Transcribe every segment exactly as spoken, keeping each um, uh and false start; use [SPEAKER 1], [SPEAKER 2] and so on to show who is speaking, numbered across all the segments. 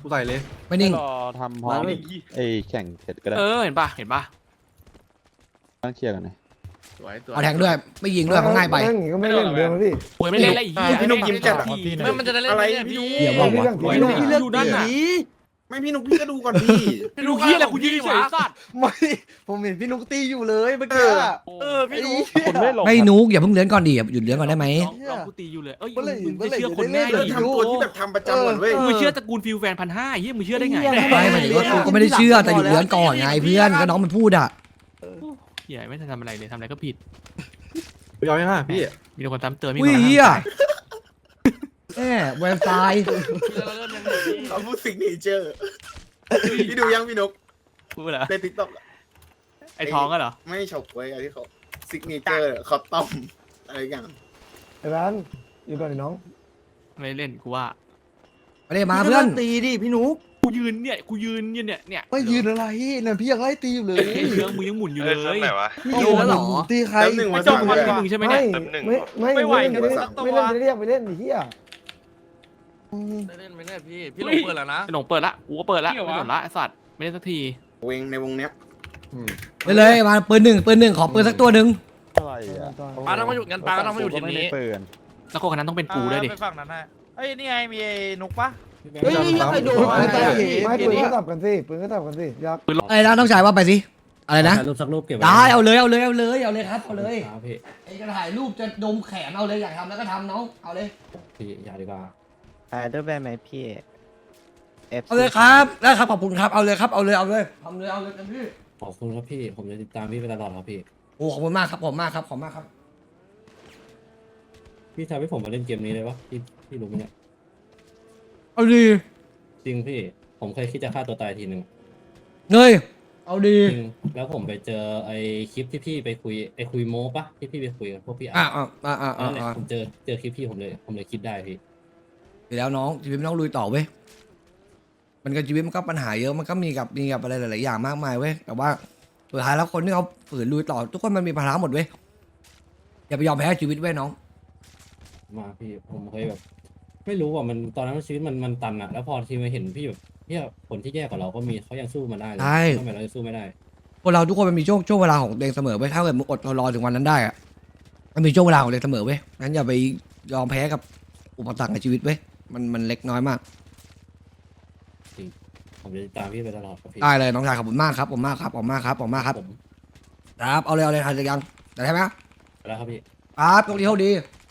[SPEAKER 1] ใส่เลย
[SPEAKER 2] ไม่นิ่ง
[SPEAKER 3] รอทำพร้อมไอ้แข่งเสร็จก็ได้
[SPEAKER 4] เออเห็นปะเห็นปะ
[SPEAKER 3] ต้องเคลียร์กันหน่อย
[SPEAKER 2] เอาแทงด้วยไม่ยิงด้วยเขาง่ายไป
[SPEAKER 5] ก็ไม่เล่นเดิมพี่
[SPEAKER 4] โวยไม่เล่นแล้วอีก
[SPEAKER 1] พี่นุ๊กยิ้มจัด
[SPEAKER 6] ไม่มันจะได้เล่นอะไรพี่นุ๊ก
[SPEAKER 2] เดี๋ยวบอกว่า
[SPEAKER 4] โวยนุ๊กอยู่ด้านไหน
[SPEAKER 1] ไม่พี่นุ๊กพี่ก็ดูก่อนพี่
[SPEAKER 4] พี่นุ๊กพี่อะไรกูยืนเฉยสัตว์
[SPEAKER 1] ไม่ผมเห็นพี่นุ๊กตีอยู่เลยเมื่อกี้
[SPEAKER 6] เออพี่นุ๊ก
[SPEAKER 3] คนไม่ลง
[SPEAKER 2] ไม่นุกอย่าเพิ่งเลื้อนก่อนดิหยุดเลื้อนก่อนได้ไหม
[SPEAKER 4] ลองกูตีอยู่เลยเอ้ยมึงจะเชื่อคนง่าย
[SPEAKER 1] เลิก
[SPEAKER 4] ดิ
[SPEAKER 1] ทำตัวที่แบบทำประจำก่อนเว้ย
[SPEAKER 4] มึงเชื่อตระกูลฟิลแฟนพันห้าเฮ้ยมึงเชื่อได้ไง
[SPEAKER 2] ไม่หมายถึงว่ากูก็ไม่ได้เชื่อแต่หยุดเลื้อนก่อนไงเพื่อนก็น้องมันพูดอ่ะ
[SPEAKER 4] เฮียไม่ทันทำอะไรเลยทำอะไรก็ผิด
[SPEAKER 1] ยอมยังไงพี่
[SPEAKER 4] มีแต่คนตามเตือนมี
[SPEAKER 2] อุ้
[SPEAKER 4] ค
[SPEAKER 2] ย
[SPEAKER 4] น
[SPEAKER 2] เฮียแหมแวร์ไซด์
[SPEAKER 1] เขาพูดสิ่งนี้เจอพี่ดูยังพี่นุ๊ก
[SPEAKER 4] พูดเหรอ
[SPEAKER 1] ในติ๊กต็อก
[SPEAKER 4] ไอ้ท้องก็เหรอ
[SPEAKER 1] ไม่เฉาก๊วยอะไรที่เขาซิกเนเจอร์เขาต้มอะไรอย่าง
[SPEAKER 5] ไอ้ร้านอยู่ก่อนน้อง
[SPEAKER 4] ไม่เล่นกูว่า
[SPEAKER 2] ไปเลยมาเพื่อน
[SPEAKER 1] ตีดิพี่นุ๊ก
[SPEAKER 4] กูยืนเนี่ยกูยืนเนี่ยเนี่ยเนี่ย
[SPEAKER 1] ไม่ยืนอะไรเนี่ยพี่ยังไล่ตีอยู่เลย
[SPEAKER 4] ไอ้เรื่องมึงยังหมุนอยู่เลย
[SPEAKER 1] พี่ยืนแล้วหรอตีใครหนึ่ง
[SPEAKER 4] ไม่
[SPEAKER 1] มา
[SPEAKER 4] จ
[SPEAKER 1] ส
[SPEAKER 4] บ
[SPEAKER 1] อง
[SPEAKER 4] มัน
[SPEAKER 1] เลย
[SPEAKER 4] ที่มึงใช่ไหมเนี่ย
[SPEAKER 5] ไม่ไม่ไม่เล่นไม่เล่นไม่เล่นเรียกไปเล่นเฮีย
[SPEAKER 6] ได้เล่นไม่ได้พี่พี่ลงเปิดแล้วนะ
[SPEAKER 4] ไอ้หลงเปิดละกูก็เปิดละไม่สนละไอ้สัตว์ไม่ได้สักที
[SPEAKER 1] วงในวงเนี้ย
[SPEAKER 2] ไปเลยมาปืนหนึ่งปืนหนึ่งขอปืนสักตัวหนึ่ง
[SPEAKER 3] อะไรอ่ะ
[SPEAKER 6] ปาต้องมาอยู่กันปาต้องมาอยู่ทีมนี้
[SPEAKER 3] เปิด
[SPEAKER 4] แล้วคนนั้นต้องเป็นกูด้วยดิ
[SPEAKER 6] ไปฝั่งนั้นฮะเอ้ยนี่ไงมีไอ้นุกปะ
[SPEAKER 1] เฮ้ยใครโดน
[SPEAKER 5] ไม่ปืนก็ตับกันสิปืนก็ตับกันสิยักษ์
[SPEAKER 4] ปืนลง
[SPEAKER 2] อะไรนะต้องจ่ายว่าไปสิอะไรนะ
[SPEAKER 7] รูปสักรูปเก็บไว้
[SPEAKER 2] ได้เอาเลยเอาเลยเอาเลยเอาเลยครับเอาเลย
[SPEAKER 7] ครับพี่
[SPEAKER 2] ไอ้จะถ่ายรูปจะดมแขนเอาเลยอยากทำแล้วก็ทำน้องเอาเลย
[SPEAKER 7] พี่อย่าดีกว่า
[SPEAKER 8] อ่าด้วยแบบไหมพี่ F
[SPEAKER 2] เอาเลยครับได้ครับขอบคุณครับเอาเลยครับเอาเลยเอาเลยทำเลยเอาเลยกันพี่
[SPEAKER 7] ขอบคุณครับพี่ผมจะติดตามพี่ไปตลอดครับพี่
[SPEAKER 2] โอ้ขอบคุณมากครับขอบคุณมากครับขอบคุณมากครับ
[SPEAKER 7] พี่ทำให้ผมมาเล่นเกมนี้เลยปะพี่พี่รู้ไหมเนี่ย
[SPEAKER 2] เอาดี
[SPEAKER 7] จริงพี่ผมเคยคิดจะฆ่าตัวตายทีหนึ่ง
[SPEAKER 2] เงยเอาดี
[SPEAKER 7] จริงแล้วผมไปเจอไอ้คลิปที่พี่ไปคุยไอ้คุยโม้ปะที่พี่ไปคุยกับพวกพี่
[SPEAKER 2] อ่า
[SPEAKER 7] อ่ะ
[SPEAKER 2] อ่าอ่าอ่า
[SPEAKER 7] นั่นแหละ
[SPEAKER 2] อ่า
[SPEAKER 7] ผมเจอเจอคลิปพี่ผมเลยผมเลยคิดได้พี่
[SPEAKER 2] ดีแล้วน้องชีวิตมันต้องลุยต่อเว้ยมันก็ชีวิตมันก็ปัญหาเยอะมันก็มีกับมีกับอะไรหลายๆอย่างมากมายเว้ยแต่ว่าสุดท้ายแล้วคนที่เขาฝืนลุยต่อทุกคนมันมีภาระหมดเว้ยอย่าไปยอมแพ้ชีวิตเว้ยน้อง
[SPEAKER 7] มาพี่ผมเคยแบบ ไม่รู้ว่ามันตอนนั้นชีวิตมันมันตันอะแล้วพอทีมาเห็นพี่แบบเนี่ยคนที่แย่กว่าเราก็มีเขายังสู้มาได้เลยทำไมเราจะสู้ไม่ได้
[SPEAKER 2] คนเราทุกคนมันมีช่วงช่วงเวลาของตัวเองเสมอเว้ยถ้าเกิดมึงอดทนรอถึงวันนั้นได้อะมันมีช่วงเวลาของตัวเองเสมอเว้ยงั้นอย่าไปยอมแพ้กับอุปสรรคในชีวิตเว้ยมันมันเล็กน้อยมาก
[SPEAKER 7] ผมจะติดตามพี่ไปตลอดครับพี่
[SPEAKER 2] ได้เลยน้องชายขอบคุณมากครับผมมากครับผมมากครับผมมากครับ
[SPEAKER 7] ผม
[SPEAKER 2] ครับเอาเลยเอาเลยทันจะยังแต่ได้ไหม
[SPEAKER 7] ไปแล้วครับพี่
[SPEAKER 2] ครับตรงนี้เท่าดี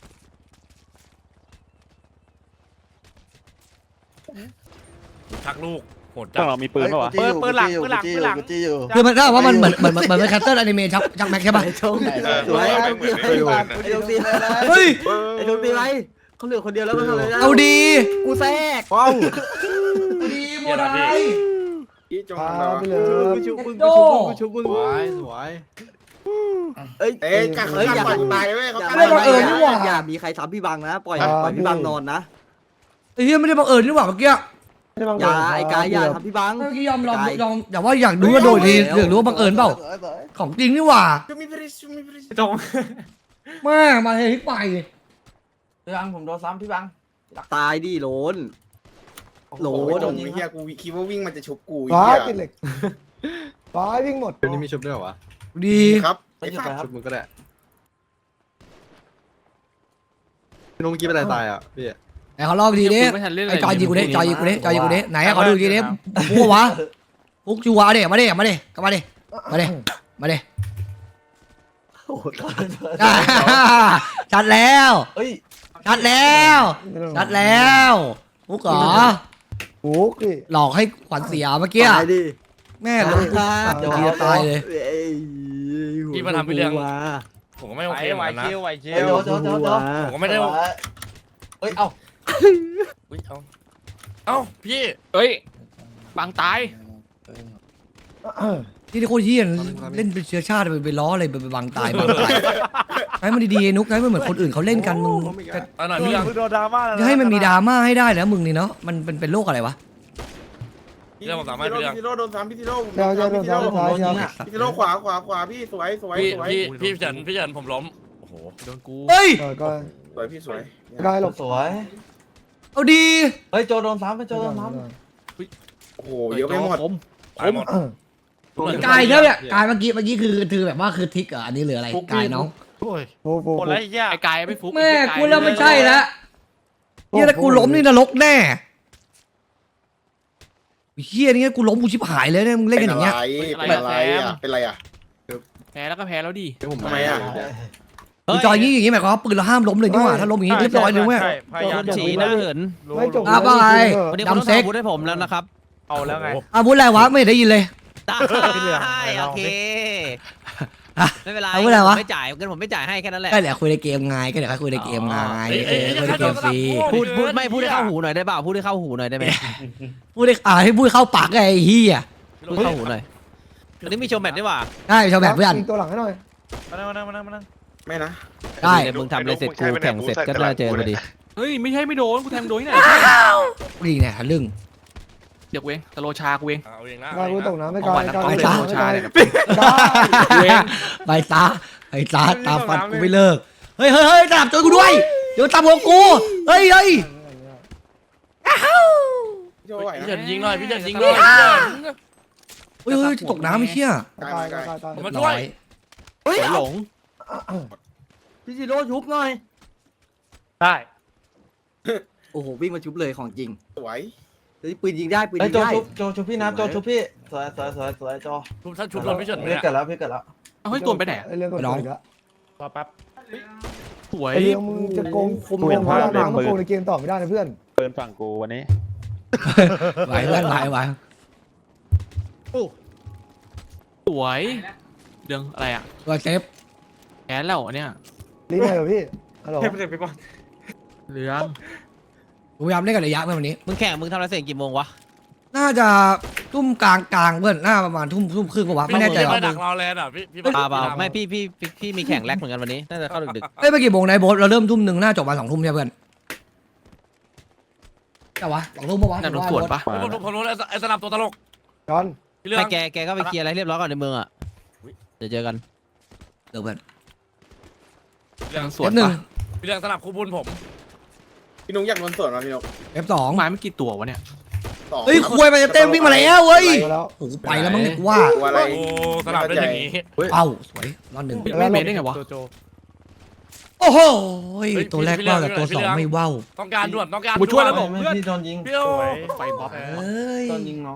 [SPEAKER 6] ชักลูกโหดจั
[SPEAKER 3] ต้อง งเรามีปืนป่ะวะ
[SPEAKER 6] เปิดเปิดหลังเปิดหลังเปิดหลัง
[SPEAKER 2] คือมันถ้าว่ามันเหมือนเหมือนเหมือนเป็นแคสเตอร์อนิเมะชักชักแม็กใช่ปะ
[SPEAKER 8] สวยไอ้ดวงตีอะไร
[SPEAKER 2] เฮ้ย
[SPEAKER 8] ไอ้ดวงตีอะไรเขาเหลือคนเดียวแล้วมันทำอะไรได้
[SPEAKER 2] เอาดี
[SPEAKER 8] กูแทรก
[SPEAKER 1] ว้าว
[SPEAKER 2] เอาดีโมได
[SPEAKER 1] พี่จง
[SPEAKER 5] พา
[SPEAKER 1] เรา
[SPEAKER 5] ไปเลย
[SPEAKER 8] กูชุบมึงกูชุบมึงกูชุบมึง
[SPEAKER 1] สวยสวย
[SPEAKER 8] เอ้ย
[SPEAKER 1] เอ๊ะการเขาการปล่อยตายเว้ยเขาการ
[SPEAKER 2] ไม่บังเอิญนี่หว่า
[SPEAKER 8] อย่ามีใครทำพี่บังนะปล่อยปล่อยพี่บังนอนนะ
[SPEAKER 2] ไอ้เหี้ยไม่ได้บังเอิญนี่หว่าเมื่อกี้
[SPEAKER 8] อย่าไอ้กายอย่าทำพี่บัง
[SPEAKER 2] เมื่อกี้ยอมลองยอมแต่ว่าอยากดูว่าโดยทีอยากรู้ว่าบังเอิญเปล่าของจริงนี่หว่า
[SPEAKER 1] จะมีบริสุทธิ์มีบริสุทธิ์
[SPEAKER 4] จง
[SPEAKER 2] แม่มาเฮ้ยไป
[SPEAKER 8] พี่บังผมโดนซ้ำพี่บังตายดิโหลนโหล
[SPEAKER 1] โอ้
[SPEAKER 8] น
[SPEAKER 1] โหเฮียกูคิดว่าวิ่งมันจะชุบกู
[SPEAKER 5] ฟ้า
[SPEAKER 1] เฮีย
[SPEAKER 5] ติดเหล็กฟ้าวิ่งหมด
[SPEAKER 1] เดี๋ยวนี้มีชุบด้วยเหรอวะ
[SPEAKER 2] ดี
[SPEAKER 1] ครับไอ้ฝากชุบมึงก็ได้พี่นุ๊กเมื่อกี้เป็นอะไรตายอ่ะพี่
[SPEAKER 2] ไหนขอลองดีดิ
[SPEAKER 4] ไม่ทันเล่นอะไร
[SPEAKER 2] ไอ้จอยยิงกูดิจอยยิงกูดิจอยยิงกูดิไหนขอดูดีดิปุ๊กวะปุ๊กชัวร์ดิมาดิมาดิก็มาดิมาดิมาดิ
[SPEAKER 8] โอ้โห
[SPEAKER 2] ชัดแล้ว
[SPEAKER 8] เฮ้ย
[SPEAKER 2] ชัดแล้วชัดแล้วปุ๊กเหรอ
[SPEAKER 5] โอ้ย
[SPEAKER 2] หลอกให้ขวัญเสียเมื่อกี้
[SPEAKER 8] ตายดิ
[SPEAKER 2] แม่ลงปุ๊บเดี๋ยวจะตายเลย
[SPEAKER 6] พี่มาทำพี่เรื่อง
[SPEAKER 8] มา
[SPEAKER 6] ผมก็ไม่โอเคเหมือนกันนะ
[SPEAKER 8] เดี๋ยวเดี๋ยวเดี๋ยวเดี๋ยว
[SPEAKER 6] ผมก็ไม่ได้
[SPEAKER 8] เฮ้ยเอ้า
[SPEAKER 6] อุ้ยเอาเอ้าพี่
[SPEAKER 4] เอ้ยบางตาย
[SPEAKER 2] ที่นี่โคตรเฮี้ยนเล่นเป็นเชื้อชาติไปไปล้ออะไรไปไปบังตายบังตายให้มันดีๆนุ๊กให้มันเหมือนคนอื่นเขาเล่นกันมึง
[SPEAKER 6] เอาหน่อยพี่เรื่อง
[SPEAKER 2] จะให้มันมีดราม่าให้ได้แล้วมึงนี่เนาะมันเป็นเป็นโรคอะไรวะ
[SPEAKER 1] พี่ซิโร่โดนซ้ำพี่ซิโร่
[SPEAKER 5] เดี๋ยวเดี๋ยวเดี๋ยวเดี๋ยวเดี๋ยว
[SPEAKER 1] พี่ซิโร่ขวาขวาขวาพี่สวยสวย
[SPEAKER 6] พี่
[SPEAKER 1] สวย
[SPEAKER 6] พี่พี่เฉินพี่เฉินผมล้มโอ้โห
[SPEAKER 4] โดนกู
[SPEAKER 2] เฮ้ย
[SPEAKER 5] ก็
[SPEAKER 1] สวยพี่สวย
[SPEAKER 5] กายหลบ
[SPEAKER 8] สวย
[SPEAKER 2] เอาดี
[SPEAKER 8] เฮ้ยโจโดนซ้ำไปโจโดนซ้
[SPEAKER 1] โอ้โหเยอะไปหมด
[SPEAKER 4] ผม
[SPEAKER 9] ตายหมด
[SPEAKER 2] กายเนี่ยกายเมื่อกี้เมื่อกี้คือคือแบบว่าคือทิกเหรออันนี้หรืออะไรกายน้อง
[SPEAKER 5] โอ้โห
[SPEAKER 9] หมดแล้วไอ้เหี้ย
[SPEAKER 4] ไอ้กายไม่ฟุก
[SPEAKER 2] แม่กูแล้วไม่ใช่แล้วเฮียถ้ากูล้มนี่นรกแน่เฮียนี่กูล้มกูชิบหายเลยเนี่ยมึงเล่น
[SPEAKER 1] เป็
[SPEAKER 2] กัน
[SPEAKER 1] น
[SPEAKER 2] อย่า
[SPEAKER 1] อะ
[SPEAKER 2] งเงี้ย
[SPEAKER 1] ไรเป็นอะไรอ่ะเป็นอะไรอ่ะ
[SPEAKER 4] แพ้แล้วก็แพ้แล้วดิ
[SPEAKER 1] ทำไมอ่ะ
[SPEAKER 2] กูจอยอย่างงี้อย่างงี้หมายความว่าปืนเราห้ามล้มเลยนี่หว่าถ้าล้มอย่างงี้เรียบร้อยเลยเว้ย
[SPEAKER 9] ใช่พยายาม
[SPEAKER 8] ฉีหน้าเหิน
[SPEAKER 5] ไม่จบ
[SPEAKER 2] อ่ะว่าไง
[SPEAKER 8] วันนี้คุณต้อง
[SPEAKER 2] ดำเซ็ก
[SPEAKER 8] ทำบุญให้ผมแล้วนะครับ
[SPEAKER 9] เอาแล้วไง
[SPEAKER 2] อาวุธอะไรวะไม่ได้ยินเลย
[SPEAKER 8] ได้โอเค
[SPEAKER 2] อ่ะ
[SPEAKER 8] ไม่เป็นไร
[SPEAKER 2] เอาไว้ไหนวะ
[SPEAKER 8] ผมไม่จ่ายเงินผมไม่จ่ายให้แค่นั้นแหละ
[SPEAKER 2] ก็เดี๋ยวคุยในเกมไงก็เดี๋ยวคุยในเกมไงเออคุยในเกมฟรี
[SPEAKER 8] พูดพูดไม่พูดให้เข้าหูหน่อยได้เปล่าพูดให้เข้าหูหน่อยได้ไหม
[SPEAKER 2] พูดได้อ่าให้พูดเข้าปากไงไอ้เฮีย
[SPEAKER 8] พูดเข้าหูหน่อยวันนี้มีโชว์แมตช์ด้วยว่ะ
[SPEAKER 2] ได้ชาวแบบเพื่อน
[SPEAKER 5] ยิงตัวหลังให้หน่อย
[SPEAKER 9] มานั่งมานั่งมานั่งมานั่ง
[SPEAKER 1] ไม่นะ
[SPEAKER 2] ได้
[SPEAKER 8] เดี๋ยวมึงทำอะไรเสร็จกูแข่งเสร็จก็น่าเจอพอดี
[SPEAKER 4] เฮ้ยไม่ใช่ไม่โดนกูแทงโดนที่ไหน
[SPEAKER 2] นี่เนี่ยทะลึ่ง
[SPEAKER 4] เดี๋ยวกูเองตะโลชากูเอง
[SPEAKER 9] เอาเองนะ
[SPEAKER 5] กายกูตกน้ำไม่
[SPEAKER 4] ของ
[SPEAKER 5] กาย
[SPEAKER 4] หวาน
[SPEAKER 5] กาย
[SPEAKER 4] น้ำต้ม
[SPEAKER 5] ไม่
[SPEAKER 4] เลย
[SPEAKER 5] กาย
[SPEAKER 4] โลชาเนี่ย
[SPEAKER 5] กาย
[SPEAKER 4] กูเอง
[SPEAKER 2] ไปซะไปซะตามฟันกูไม่เลิกเฮ้ยเฮ้ยเฮ้ยตามจอยกูด้วยเดี๋ยวตามหัวกูเฮ้ยเฮ้ย
[SPEAKER 1] โจ้ไหว
[SPEAKER 6] พี่
[SPEAKER 1] นะ
[SPEAKER 6] เฉินยิงหน่อยพี่เฉินยิงหน่อย
[SPEAKER 2] เฮ้ยเฮ้ยตกน้ำไม่เชี่ย
[SPEAKER 1] กาย
[SPEAKER 5] กาย
[SPEAKER 1] กาย
[SPEAKER 5] กายกาย
[SPEAKER 6] ผมมาช่วย
[SPEAKER 8] เฮ้ยหลงพี่จิโร่ชุบหน่อย
[SPEAKER 9] ได้
[SPEAKER 8] โอ้โหวิ่งมาชุบเลยของจริง
[SPEAKER 1] สวย
[SPEAKER 8] เฮ้ยปืนยิงได้ปืน
[SPEAKER 10] ไอ้
[SPEAKER 8] ยิง
[SPEAKER 10] โจ
[SPEAKER 8] ได้
[SPEAKER 10] ชุบโจชุบพี่นะโจชุบพี่สวยสวยสวยสวยโจ
[SPEAKER 6] ชุบท่านชุบโดนพี่เฉิน
[SPEAKER 10] พี่
[SPEAKER 6] เนี่ย
[SPEAKER 10] เกิดแล้วพี่เกิดแล้ว
[SPEAKER 4] เอาให้ตัวไปไหน
[SPEAKER 5] ไอ้เรื่องก่อนอีกแล้ว
[SPEAKER 9] รอแป๊บ
[SPEAKER 4] สวย
[SPEAKER 5] ไอ้เรื่องมึงจะโกงคุมโกงพลังงานมึงโกงในเกมต่อไม่ได้นะเพื่อน
[SPEAKER 3] เปินฝั่งกูวันนี้
[SPEAKER 2] ไหวเพื่อนไหวไหว
[SPEAKER 4] สวยเรื่องอะไรอ่ะ
[SPEAKER 2] ตัวเซฟ
[SPEAKER 4] แพ้แล้วอันเนี่ย
[SPEAKER 5] รีบไปเหรอพี่ฮัลโหล
[SPEAKER 9] เฮ้ยไม่ใช่พี่บอล
[SPEAKER 4] เหลือง
[SPEAKER 2] กูพยายามเล่นกับระยะเพื่อนวันนี้
[SPEAKER 8] มึงแข่งมึงทำอะไรเสร็จกี่โมงวะ
[SPEAKER 2] น่าจะทุ่มกลางกลางเพื่อนน่าประมาณทุ่มทุ่มครึ่งปะวะไม่แน่ใจ
[SPEAKER 6] พี่
[SPEAKER 2] ว่ะ
[SPEAKER 6] มาดักเราแลนด์อ่ะพี่พี่
[SPEAKER 8] เปล่าเปล่าไม่พี่พี่พี่พี่มีแข่งแรกเหมือนกันวันนี้น่าจะเข้าดึก
[SPEAKER 2] เอ้ยไปกี่โมงนายโบ๊ทเราเริ่มทุ่มหนึ่งน่าจบมาสองทุ่มใช่เพื่อนแต่วะสองทุ่มปะวะ
[SPEAKER 4] นั่นรถสวนปะ
[SPEAKER 9] มา
[SPEAKER 6] ผมผมผมรู้แล้วไอ้สนับตัวตลก
[SPEAKER 5] จอน
[SPEAKER 6] พี่
[SPEAKER 8] ๆ
[SPEAKER 6] เรื่อ
[SPEAKER 8] ไม่
[SPEAKER 6] ง
[SPEAKER 8] แกแกก็ไปเคลียร์อะไรเรียบร้อยก่อนในเมืองอ่ะเดี๋ยวเจอกัน
[SPEAKER 2] เดี๋ยวเพื่อน
[SPEAKER 6] เรื่อง
[SPEAKER 4] สวน
[SPEAKER 2] หนึ่ง
[SPEAKER 4] ปะ
[SPEAKER 6] พี่เรื่องสนับคู่บุญผม
[SPEAKER 1] พี่นุ๊กอยากโดนสวนมาพี่นุ๊ก
[SPEAKER 2] เอฟสอง
[SPEAKER 4] ไม้ไม่กี่ตัววะเนี่ย
[SPEAKER 1] สอง
[SPEAKER 2] เฮ้ยคุยมันจะเต็มวิ่งมาแล้วเว้ย
[SPEAKER 5] มาแล้ว
[SPEAKER 2] โอ้โหไปแล้วมั้งเนี่ยกูว่า
[SPEAKER 1] ตัวอะไร
[SPEAKER 6] โอ้สนับได้อย่างนี้
[SPEAKER 2] เอ้าสวยรอดหนึ่ง
[SPEAKER 4] ไม่เมทได้ไงวะ
[SPEAKER 9] โจโจ
[SPEAKER 2] โอ้โหตัวแรกว่าวแต่ตัวสองไม่ว่าว
[SPEAKER 6] ต้องการด่วนต้องการ
[SPEAKER 4] กูช่วยแล้ว
[SPEAKER 6] ด่
[SPEAKER 4] บ
[SPEAKER 6] น
[SPEAKER 4] อก
[SPEAKER 10] ไม่
[SPEAKER 4] เพื่อน
[SPEAKER 10] พี่โดนยิง
[SPEAKER 6] พี่โอ้
[SPEAKER 9] สวย
[SPEAKER 4] ไฟบ๊อบ
[SPEAKER 2] เอ้ย
[SPEAKER 10] โดนยิงน้อง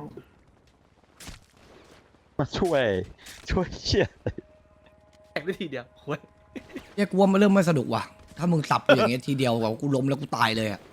[SPEAKER 3] มาช่วย ช่วยเชี่ย
[SPEAKER 4] แตกได้ทีเดียวโว้ย
[SPEAKER 2] เนี่ยกูว่ามันเริ่มไม่สนุกว่ะถ้ามึงสับกูอย่างเงี้ยทีเดียวแบบกูล้มแล้วกูตายเลยอะ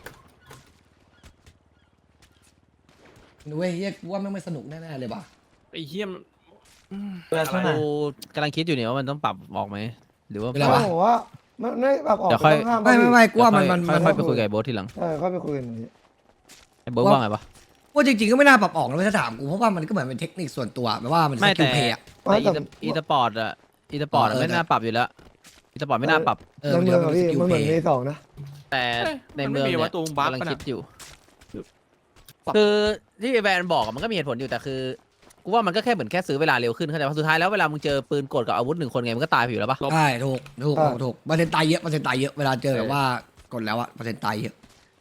[SPEAKER 2] เว้ยเฮียกูว่าไม่งไม่สนุกแน่ๆเลยว่ะ
[SPEAKER 4] ไอ้เหี้ยม
[SPEAKER 10] เพื่อนช่วยหน่อย
[SPEAKER 8] กูกำลังคิดอยู่เนี่ยว่ามันต้องปรับออกไหมหรือว่า
[SPEAKER 2] เป็นไรวะ
[SPEAKER 5] โอ้โหว่ามันไม่แบบออก
[SPEAKER 8] เดี๋ยวค่อย
[SPEAKER 5] ต้องห้าม
[SPEAKER 2] ไม่ไม่ไม่กูว่ามันมัน
[SPEAKER 8] ค่
[SPEAKER 2] มั
[SPEAKER 8] อน ยๆไปคุยกับไอ้โบ๊ททีหลัง
[SPEAKER 5] เออค่อยไปคุยกันอย่างนี้
[SPEAKER 8] ไอ้โบ๊ทว่าไงปะ
[SPEAKER 2] ว่าจริงๆก็ไม่น่าปรับออกนะถ้าถามกูเพราะว่ามันก็เหมือนเป็นเทคนิคส่วนตัวแบบว่ามันส
[SPEAKER 8] ไม่
[SPEAKER 2] กิ
[SPEAKER 8] แต่
[SPEAKER 2] ลเพย์อะ
[SPEAKER 8] แต่อีสอีสปอร์ตอะอีสปอร์ต
[SPEAKER 2] เออ
[SPEAKER 8] ไม่น่าปรับอยู่แล้วอีสปอร์ตไม่น่าปรับ
[SPEAKER 2] เออ
[SPEAKER 5] ใน
[SPEAKER 2] มัน
[SPEAKER 5] เมื
[SPEAKER 2] จะ
[SPEAKER 5] อง
[SPEAKER 2] เป็
[SPEAKER 5] อะ
[SPEAKER 2] นส
[SPEAKER 5] พี่
[SPEAKER 2] กิล
[SPEAKER 5] มันเห
[SPEAKER 2] เพ
[SPEAKER 5] มือน
[SPEAKER 2] ย์
[SPEAKER 5] ในสองนะ
[SPEAKER 8] แต่ในเมือง
[SPEAKER 4] ไม่มี
[SPEAKER 8] เนี่
[SPEAKER 4] ว่าย ตัวบัฟ
[SPEAKER 8] กำลัง
[SPEAKER 4] ปะ
[SPEAKER 8] คิ
[SPEAKER 4] น่ะ
[SPEAKER 8] ดอยู่ คือที่แบรนด์บอกอะมันก็มีเหตุผลอยู่แต่คือกูว่ามันก็แค่เหมือนแค่ซื้อเวลาเร็วขึ้นเข้าใจป่ะสุดท้ายแล้วเวลามึงเจอปืนกดกับอาวุธหนึ่งคนไงมันก็ตายไปอยู่แล้วปะ
[SPEAKER 2] ใช่ถูกถูกถูกถูกเปอร์เซ็นต์ตายเยอะเปอร์เซ็นต์ตายเยอะเวลาเจอแบบว่ากดแล้วอะเปอร์เซ็นต์ตายเยอะ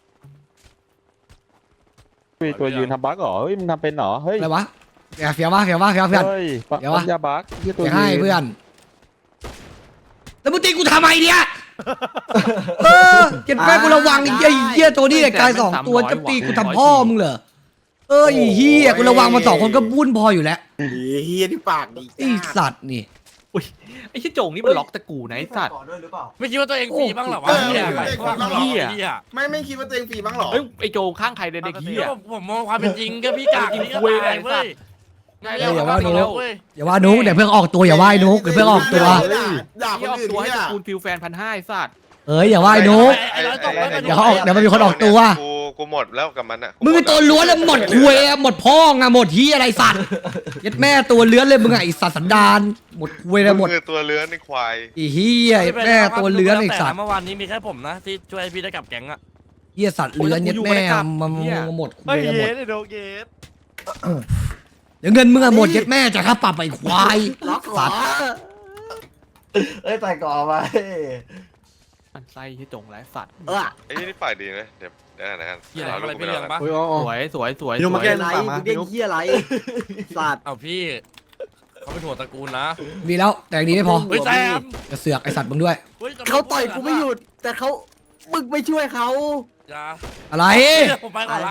[SPEAKER 3] เฮ้ยตัวยืนทำบั๊กเหรอ เฮ้ยมึงทำเป็นเหรอ เฮ้ย
[SPEAKER 2] อะไรวะเฟียวเฟียววะเฟียววะเฟียวเพื่อน
[SPEAKER 3] เฮ้ยปะ
[SPEAKER 2] เดี๋ยววะ
[SPEAKER 3] ปั๊มยาบั๊กที่ตัว
[SPEAKER 2] เดี๋ยว
[SPEAKER 3] ยื
[SPEAKER 2] ให้
[SPEAKER 3] น
[SPEAKER 2] เพื่อนแล้วมึงตีกูทำไมเนี่ยเออเก็บแม่กูระวังไอ้เหี้ยไอ้เหี้ยตัวนี้ไอ้กายสองตัวจะตีกูทำพ่อมึงเหรอเออไอ้เหี้ยกูระวังมันสองคนก็บุ้นพออยู่แล้ว
[SPEAKER 1] เฮียที่ปากดี
[SPEAKER 2] ไอ้สัตว์นี่
[SPEAKER 4] ไอ้เหี้ยโจ่งนี่มันล็อกตะกูนะไอ้สัตว์
[SPEAKER 10] ก่อนด้วยหรือเปล่า
[SPEAKER 6] ไม่คิดว่าตัวเองฟรีบ้างเหรอวะ
[SPEAKER 1] เออ
[SPEAKER 6] เหี้ย
[SPEAKER 1] ไม่
[SPEAKER 6] ว่า
[SPEAKER 1] ไม่
[SPEAKER 6] เหี้
[SPEAKER 1] ไม่
[SPEAKER 6] ยเหี้ย
[SPEAKER 1] ไม่ไม่คิดว่าตัวเองฟรีบ้างหรอ
[SPEAKER 4] เอ้ยไอ้โจข้างใครเด็กๆเหี้ย
[SPEAKER 6] ผมผมมองความเป็นจริงก็พี่กากพี่ก็
[SPEAKER 4] คุย
[SPEAKER 6] ตาย
[SPEAKER 4] ไอ้สั
[SPEAKER 6] เว้
[SPEAKER 4] ต
[SPEAKER 6] ย
[SPEAKER 4] ว์
[SPEAKER 6] ไงแล้วเว้ย
[SPEAKER 2] อย่าว่านุ๊กเดี๋ยวเพิ่งออกตัวอย่าว่าไอ้นุ๊กเดี๋ยวเพิ่งออกตัว
[SPEAKER 1] ด่าด่าค
[SPEAKER 4] ที่
[SPEAKER 1] น
[SPEAKER 4] ออก
[SPEAKER 1] อื่น
[SPEAKER 4] ตัวให้
[SPEAKER 1] เนี่ย
[SPEAKER 4] ตระกูลฟิลแฟนพันห้าไอ้สัตว์
[SPEAKER 2] เอ้ยอย่าว่าไอ้นุ๊ก
[SPEAKER 6] ไอ้ร้อยตกแล้วกัน
[SPEAKER 2] เดี๋ยวเขาออกเดี๋ยวมันมีคนออกตัว
[SPEAKER 11] กูกูหมดแล้วกับมันอ่ะ
[SPEAKER 2] มึงเป็นตัวล้วนแล้วหมดคุยอะหมดพ่องอะหมดที่อะไรสัตว์ยัดแม่ตัวเลื้อนเลยมึงอะไอสัตว์สันดานหมดคุยเลยหมด
[SPEAKER 11] คือตัวเลื้อนในควาย
[SPEAKER 2] ไอีเฮียยัดแม่ตัวเลื้อนไอสัตว์
[SPEAKER 6] เมื่อวานนี้มีแค่ผมนะที่ช่วยพี่ได้กลับแก๊งอะ
[SPEAKER 2] เฮียสัตว์เลื้อนยัดแม่มันหมดคุยเลยหมด
[SPEAKER 9] ไอ้โดเกต
[SPEAKER 2] เดี๋ยวเงินมึงอะหมดยัดแม่จะค่าปรับไปควาย
[SPEAKER 8] ล็อกเหร
[SPEAKER 2] สั
[SPEAKER 8] อ
[SPEAKER 2] ตว์
[SPEAKER 10] เอ้ยใส่ก่อไว้
[SPEAKER 4] มันไส้ที่โจ่งไรสัตว์
[SPEAKER 8] เออ
[SPEAKER 11] ไอ้นี่ปากดีนะเดี๋ยวเดี๋ยวกันเดี๋ยวกัน
[SPEAKER 6] เหี้ยอะไร
[SPEAKER 11] เอาลูก
[SPEAKER 6] อะไร
[SPEAKER 11] กู
[SPEAKER 6] พี่
[SPEAKER 11] ไป
[SPEAKER 6] เลี้ยง
[SPEAKER 11] แล้ว
[SPEAKER 6] ปะ
[SPEAKER 4] สวยสวยสวย
[SPEAKER 1] พี่หนุ่มมา
[SPEAKER 4] สวย
[SPEAKER 1] แก้ไรมึงเด้งเฮียอะไรสัตว์
[SPEAKER 6] เอาพี่เขาเป็นหัวตระกูลนะ
[SPEAKER 2] มีแล้วแต่อย่างนี้ไม่พอ
[SPEAKER 6] เฮ้ยแซม
[SPEAKER 2] จะเสือกไอสัตว์มึงด้วย
[SPEAKER 6] ฮ้ย
[SPEAKER 1] เขาต่อยกูไม่หยุด แต่เขามึงไม่ช่วยเขา
[SPEAKER 6] อย่า
[SPEAKER 2] อะไร
[SPEAKER 6] ผมไปก่อนละ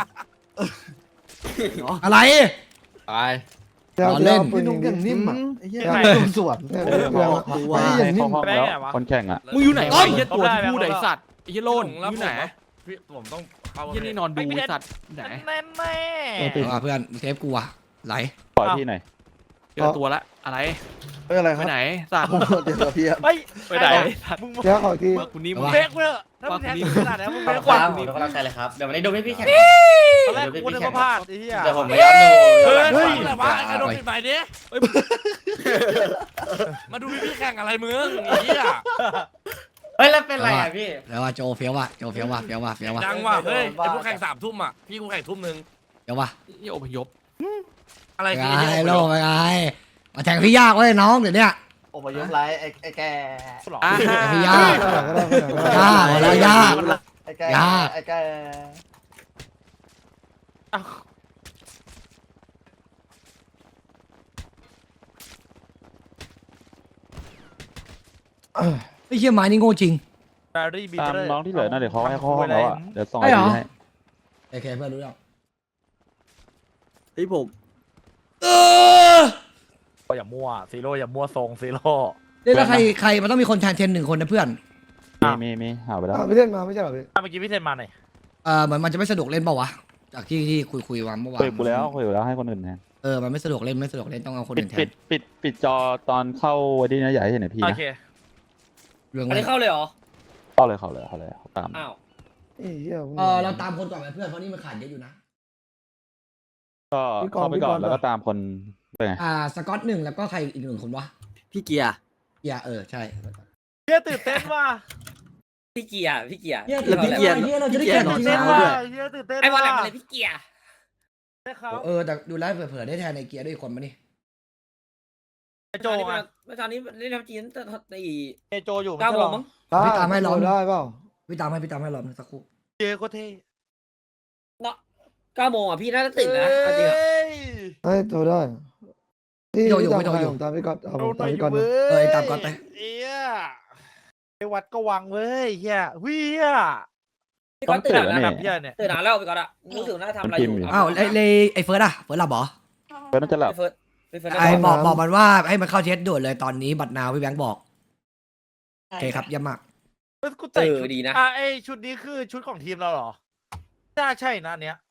[SPEAKER 2] อะไร
[SPEAKER 6] ตาย
[SPEAKER 5] เดี๋ยว
[SPEAKER 2] ล้อเล่น
[SPEAKER 5] ปืนยิงดิ
[SPEAKER 1] นิ่มอ่ะไอ้เหี้ย
[SPEAKER 5] เดี๋ยวปืนสวนเนี่ย
[SPEAKER 3] เออ
[SPEAKER 5] เดี๋ยว
[SPEAKER 3] เขา
[SPEAKER 5] ไอ้เหี้ย
[SPEAKER 3] ให้
[SPEAKER 5] นิ่
[SPEAKER 3] เข้าม ห้องแล้วคนแข่งอ่ะ
[SPEAKER 4] มึงอยู่ไหน
[SPEAKER 9] ต้
[SPEAKER 4] วะ
[SPEAKER 9] น
[SPEAKER 4] ไอ้เหี้ยตัวที่
[SPEAKER 9] ต้น
[SPEAKER 4] พูด
[SPEAKER 9] ได้
[SPEAKER 4] ไอ้
[SPEAKER 9] แล้ว
[SPEAKER 4] สัตว์ไอ้เหี้ยโลนอยู่ไหน
[SPEAKER 6] พี่ผมต้องเข้า
[SPEAKER 4] ไอ้เหี้ยนี่นอนดูไอ้สัตว์ไหน
[SPEAKER 9] แน่แน่
[SPEAKER 2] เอามาเพื่อนเทปกูอะไหล
[SPEAKER 3] ปล่อยที่ไหนอย
[SPEAKER 4] เจอตัวละอะไร
[SPEAKER 5] เฮ้ยอะไรค
[SPEAKER 4] ไป
[SPEAKER 5] รับ
[SPEAKER 4] ไหนสัตว์
[SPEAKER 5] เดี๋ยวพี่
[SPEAKER 9] เฮ้ย
[SPEAKER 4] ไปไหนสัตว์
[SPEAKER 9] มึง
[SPEAKER 5] เดี๋ยวขออีกที
[SPEAKER 4] ว่ากูนี่มึ
[SPEAKER 2] เอา
[SPEAKER 4] ง
[SPEAKER 2] วะ
[SPEAKER 9] เบรกเว้ยถ้ามึงแทงถึงขนาดนั้นมึงเบรก
[SPEAKER 10] ค
[SPEAKER 9] กว่า
[SPEAKER 10] รับผมเป็นกำลังใจเลยครับ เดี๋ยววันนี้ดูพี่พี่แข่ง
[SPEAKER 9] ตอนแรกกูนึกว่าพลาดไอ้เหี้ย
[SPEAKER 10] เดี๋ยวผมไม่ย้อนดู
[SPEAKER 6] เฮ้ย
[SPEAKER 10] เฮ้
[SPEAKER 6] เฮ้
[SPEAKER 10] ย
[SPEAKER 6] ยอะไรวะไอ้กระโดดปิดใหม่ดิมาดูพี่พี่แข่งอะไรมึงไอ้เหี้ย
[SPEAKER 10] เฮ้ยแล้วเป็นไรอ่ะพี่
[SPEAKER 2] แล้วว่าโจเฟี้ยวว่ะโจเฟี้ยวว่ะเฟี้ยวว่ะเฟี้ยวว่ะ
[SPEAKER 6] ดังว่ะเฮ้ยไอ้พวกแข่งสามทุ่มอ่ะพี่กูแข่งทุ่มหนึ่ง
[SPEAKER 2] เฟี้ยวว่ะ
[SPEAKER 4] นี่อพยพ
[SPEAKER 6] อะไร
[SPEAKER 2] ไป
[SPEAKER 6] คือ
[SPEAKER 2] ไง
[SPEAKER 6] ไอ้
[SPEAKER 2] โล
[SPEAKER 6] เหี้ย
[SPEAKER 2] ไปไงมาแทงพี่ยากเว้ยน้องเดี๋ยวเนี้ย
[SPEAKER 10] โอ้ยยกไลท์ไอ้ไอ้แก
[SPEAKER 4] อ่า
[SPEAKER 2] แทงพี่ยาก
[SPEAKER 5] ก็ได้ก็ได้ก็ได้
[SPEAKER 2] ยากแล้วยาก
[SPEAKER 10] ไอ้แก
[SPEAKER 2] ยาก
[SPEAKER 10] ไอ้แก
[SPEAKER 2] ไอ้เหี้ยไม้นี่โง่จริง
[SPEAKER 9] ดารี่บี
[SPEAKER 3] ตาม
[SPEAKER 9] เตอร์
[SPEAKER 3] น้องที่เหลือนะเดี๋ยวเขาให้เข้าห้องแล้วอ่ะเดี๋ยวส่ง
[SPEAKER 2] ไอ้
[SPEAKER 3] ไอ
[SPEAKER 2] เหรอ
[SPEAKER 3] ดีให้
[SPEAKER 2] โอเคเพื่อนรู้แล้ว
[SPEAKER 1] เฮ้ยผม
[SPEAKER 2] เออ
[SPEAKER 9] อย่ามั่วซีโร่อย่ามั่วทรงซีโร่
[SPEAKER 2] เล่นแล้วใครใครมันต้องมีคนแทนเทนหนึ่งคนนะเพื่อน
[SPEAKER 3] มีมีมีหาไปแล้ว
[SPEAKER 5] อ่ะพี่เล่นมาไม่ใช่เหรอพี่
[SPEAKER 9] เมื่อกี้พี่เทนมาหน่อย
[SPEAKER 2] เออเหมือนมันจะไม่สะดวกเล่นเปล่าวะจากที่ที่คุยคุยมาเมื่อวาน
[SPEAKER 3] คุยกูแล้วคุยกูแล้วให้คนอื่นแทน
[SPEAKER 2] เออมันไม่สะดวกเล่นไม่สะดวกเล่นต้องเอาคน
[SPEAKER 3] ปิด
[SPEAKER 2] อื่นแท
[SPEAKER 3] ปิ
[SPEAKER 2] น
[SPEAKER 3] ดปิดปิดจอตอนเข้าวันนี้นะอย่าให้เห็นไอพี
[SPEAKER 9] โอ
[SPEAKER 3] นะ
[SPEAKER 9] เค
[SPEAKER 2] เรื่อง
[SPEAKER 10] อัน
[SPEAKER 2] เล่
[SPEAKER 10] นี้
[SPEAKER 2] น
[SPEAKER 10] เข้าเลยเหรอ
[SPEAKER 3] เข้าเลยเข้าเลยเข้าเลยเขาตาม
[SPEAKER 10] อ้าว
[SPEAKER 5] ไอ้เหี้ย
[SPEAKER 2] เออเราตามคนก่อนไหมเพื่อนเพราะนี่มันขาดเยอะอยู่นะ
[SPEAKER 3] ก็เข้าไปก่อนแล้วก็ตามคนไปไง
[SPEAKER 2] อ่าสกอตหนึ่งแล้วก็ใครอีกหนึ่งคนวะ
[SPEAKER 1] พี่เกียร์
[SPEAKER 2] อย่าเออใช่
[SPEAKER 9] เฮียตื่นเต้นว่ะ
[SPEAKER 10] พี่เกียร์พี่เกียร์
[SPEAKER 2] เฮีย
[SPEAKER 1] แล้วพี่เกียร์
[SPEAKER 2] เฮียเราจะได้
[SPEAKER 1] พี่
[SPEAKER 2] เกีย
[SPEAKER 1] เกี
[SPEAKER 2] ร
[SPEAKER 1] ยร์
[SPEAKER 2] ติ
[SPEAKER 9] ตื่น
[SPEAKER 2] ที
[SPEAKER 9] เต้น
[SPEAKER 2] ม
[SPEAKER 9] ว่ะ
[SPEAKER 2] เราด้วย
[SPEAKER 9] เฮียตื่นเต้น
[SPEAKER 10] ไอ้บอลแหลม
[SPEAKER 9] ว่ะ
[SPEAKER 10] อะไรพี่เกียร์
[SPEAKER 9] ได้เขา
[SPEAKER 2] เออแต่ดูแลวเผื่อๆได้แทนในเกียร์ด้วยอีกคนมานี่
[SPEAKER 9] ไอโจไง
[SPEAKER 10] เมื่อตอนนี้เล่นทับจีนแต่ตี
[SPEAKER 9] ไอโจอยู่
[SPEAKER 10] เก้าโมงมั้ง
[SPEAKER 2] พี่ตามให้ล้อม
[SPEAKER 5] ได้เปล่า
[SPEAKER 2] พี่ตามให้พี่ตามให้ล้อมสักครู่
[SPEAKER 9] เจโคตรเท่
[SPEAKER 10] เก้าโมงอ่ะพี่น่าจะตื่นนะเอาจริงอะ
[SPEAKER 5] ให้โทรได้พี่พี่ตามใครผมตามพี่ก๊อตเอาผมตามพี่ก๊อตนะ
[SPEAKER 2] เออไอ้ตามก่อนไป
[SPEAKER 9] เฮียไอวัดก็วังเว้ยเฮียเฮีย
[SPEAKER 10] พี่ก็ตื่น
[SPEAKER 3] แล้ว
[SPEAKER 10] แล้ว
[SPEAKER 3] นี่
[SPEAKER 9] เฮียเนี่ย
[SPEAKER 10] ตื่นนานแล้วพี่ก็อะรู้สึกน่าทำอะไรอยู่
[SPEAKER 2] อ้าวไอ้เลยไอ้เฟิร์สอะเฟิร์สหลับเหรอ
[SPEAKER 3] เพื่อนน่าจะหลับ
[SPEAKER 10] เฟิร์สเฟิร์ส
[SPEAKER 2] ไอ้บอกบอกมันว่าให้มันเข้าเช็ดด่วนเลยตอนนี้บัตรนาวพี่แบงค์บอกโอเคครับเยี่ยมมาก
[SPEAKER 9] เฮ้ยกู
[SPEAKER 10] เอ
[SPEAKER 9] แต่ง
[SPEAKER 10] อ
[SPEAKER 9] ชุด
[SPEAKER 10] ดีนะ
[SPEAKER 9] อ่ะไอชุดนี้คือชุดของทีมเราเหรอน่าใช่นะอันเนี้ย